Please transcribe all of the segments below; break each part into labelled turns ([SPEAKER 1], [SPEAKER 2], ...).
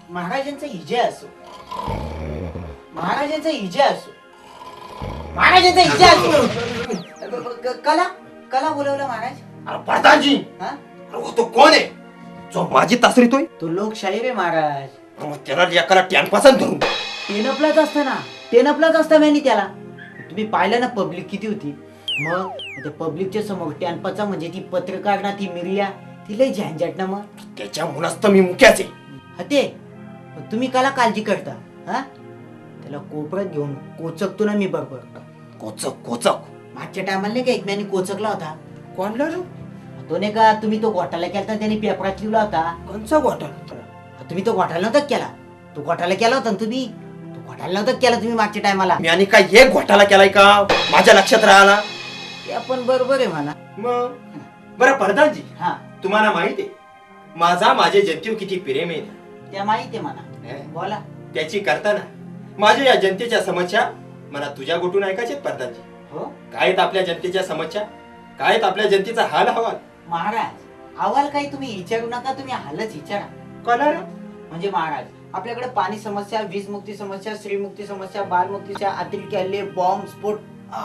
[SPEAKER 1] महाराजांचा विजय असो, महाराजांचा विजय असो, महाराजांचा विजय असो. कला कला बोलवलं महाराज.
[SPEAKER 2] अरे प्रधानजी,
[SPEAKER 1] हा
[SPEAKER 2] अरे वो तो कोण आहे जो माझी तासरीतोय?
[SPEAKER 1] तो लोकशाही रे महाराज.
[SPEAKER 2] मग त्याला एकाला टॅनपासून धरून
[SPEAKER 1] टेनपलाच असतं ना, टेनपलाच असतं मी त्याला. तुम्ही पाहिलं ना पब्लिक किती होती. मग त्या पब्लिकच्या समोर टॅनपाचा म्हणजे ती पत्रकार ना, ती मिरिया, ती लय झंझट ना. मग
[SPEAKER 2] त्याच्यामुळेच तर मी मुक्याच आहे.
[SPEAKER 1] ते तुम्ही काला काळजी करता. हा त्याला कोपऱ्यात घेऊन कोचकतो ना मी बरोबर.
[SPEAKER 2] कोचक कोचक
[SPEAKER 1] मागच्या टायमाला नाही का एकम्याने कोचकला होता.
[SPEAKER 2] कोणला रे?
[SPEAKER 1] तो नाही का तुम्ही तो घोटाळा केला होता, त्याने पेपरात लिहिला होता.
[SPEAKER 2] कोणचा घोटाळा?
[SPEAKER 1] तुम्ही तो घोटाळा नव्हता केला. तो घोटाळा केला होता ना तुम्ही. तो घोटाळा नव्हता केला तुम्ही मागच्या टायमाला.
[SPEAKER 2] मी आणि काय एक घोटाळा केलाय का माझ्या लक्षात राहिला?
[SPEAKER 1] ते आपण बरोबर आहे म्हणा.
[SPEAKER 2] मग बरं प्रधानजी,
[SPEAKER 1] हा
[SPEAKER 2] तुम्हाला माहिती आहे माझा माझे जनतेवर किती प्रेम आहे?
[SPEAKER 1] त्या माहिती आहे म्हणा. बोला.
[SPEAKER 2] त्याची करताना माझ्या या जनतेच्या समस्या मला तुझ्या गोटून ऐकायचे प्रधानजी.
[SPEAKER 1] हो
[SPEAKER 2] काय आहेत आपल्या जनतेच्या समस्या? काय आहेत आपल्या जनतेचा हाल हवाल?
[SPEAKER 1] महाराज, अहवाल काही तुम्ही विचारू नका, तुम्ही हालच विचारा.
[SPEAKER 2] कळलं?
[SPEAKER 1] म्हणजे महाराज, आपल्याकडे पाणी समस्या, वीज मुक्ती समस्या, श्रीमुक्ती समस्या, बालमुक्तीच्या अतिरेक हल्ले, बॉम्ब स्फोट.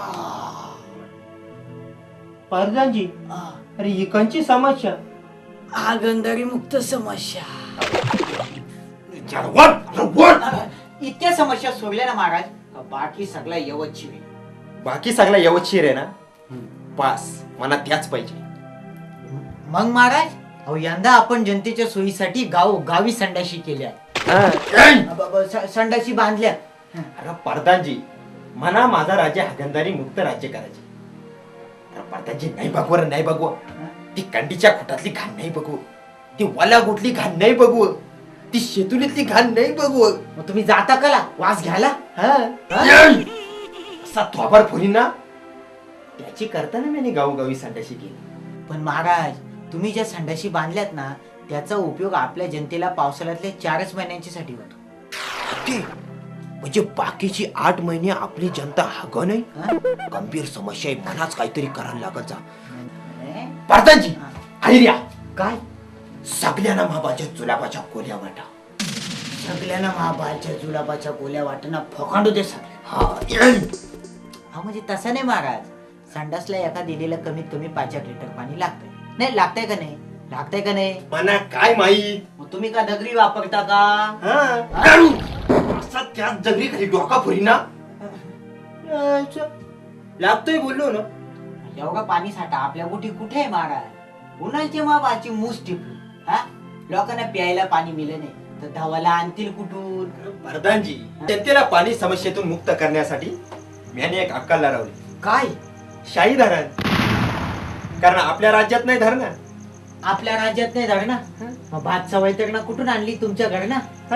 [SPEAKER 2] प्रधानजी, अरे इकांची समस्या
[SPEAKER 1] आगंदरी मुक्त समस्या, इतक्या समस्या सोडल्या ना महाराज, बाकी सगळा यवतची.
[SPEAKER 2] बाकी सगळा यवतशीर आहे ना? पास मला त्याच पाहिजे.
[SPEAKER 1] मग महाराज, अहो यंदा आपण जनतेच्या सोयीसाठी गावी संडाशी केल्या, संडाशी बांधल्या.
[SPEAKER 2] अरे प्रधानजी, म्हणा माझा राज्य हागंदारी मुक्त राज्य करायचे. अरे प्रधानजी, नाही बघू, नाही बघू. ती कंडीच्या खोटातली घाण नाही बघू, ती वाला गुटली घाण नाही बघू, ती शेतुलीतली घाण नाही बघू.
[SPEAKER 1] मग तुम्ही जाता कला वास घ्यायला?
[SPEAKER 2] असा थोबार फोडी ना, त्याची करताना मी गावोगावी संडाशी केली.
[SPEAKER 1] पण महाराज, तुम्ही ज्या संडाशी बांधल्यात ना, त्याचा उपयोग आपल्या जनतेला पावसाळ्यातल्या 4 महिन्यांसाठी होतो.
[SPEAKER 2] म्हणजे बाकीची 8 महिने आपली जनता हाग नाही. गंभीर समस्या आहे, मनाच काहीतरी करायला लागत जा. प्रधानजी, आयडिया
[SPEAKER 1] काय?
[SPEAKER 2] सगळ्यांना महाबाच्या जुलाबाच्या गोल्या वाटा.
[SPEAKER 1] सगळ्यांना महाबालच्या जुलाबाच्या गोल्या वाटणं फकांडू दे सगळे. हा म्हणजे तसं नाही महाराज, संडासला एका दिलेला कमीत कमी 5 लिटर पाणी लागतंय. नाही लागतंय का नाही? लागतंय का नाही?
[SPEAKER 2] मना काय माहित.
[SPEAKER 1] मग तुम्ही का दगडी वापरता का?
[SPEAKER 2] असा त्याच जगरी खाली डोका फोडी ना, लागतोय बोललो ना.
[SPEAKER 1] एवढा पाणी साठा आपल्या गोटी कुठे आहे महाराज? उन्हाळ्याची महाबाची मूस टिपली. हा लोकांना प्यायला पाणी मिळलं नाही तर धावाला आणतील कुठून?
[SPEAKER 2] प्रधानजी, जनतेला पाणी समस्येतून मुक्त करण्यासाठी मी एक अक्कल लावली.
[SPEAKER 1] काय?
[SPEAKER 2] शाही धरण. कारण आपल्या राज्यात नाही धरण.
[SPEAKER 1] आपल्या राज्यात नाही धरणं, मग भात वैतरणा कुठून आणली तुमच्या घरना?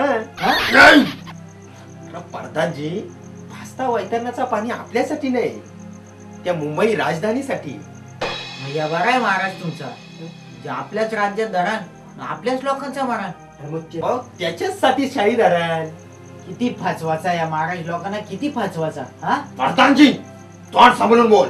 [SPEAKER 2] प्रधानजी, भास्ता वैतरणाचा पाणी आपल्यासाठी नाही, त्या मुंबई राजधानीसाठी.
[SPEAKER 1] या बरं आहे महाराज तुमचा, जे आपल्याच राज्यात धरण, आपल्याच लोकांचा मरण.
[SPEAKER 2] त्याच्यासाठी शाही धरण.
[SPEAKER 1] किती फाचवाचा या महाराज लोकांना, किती फाचवाचा. हा
[SPEAKER 2] प्रधानजी, तोंड सांभाळून बोल.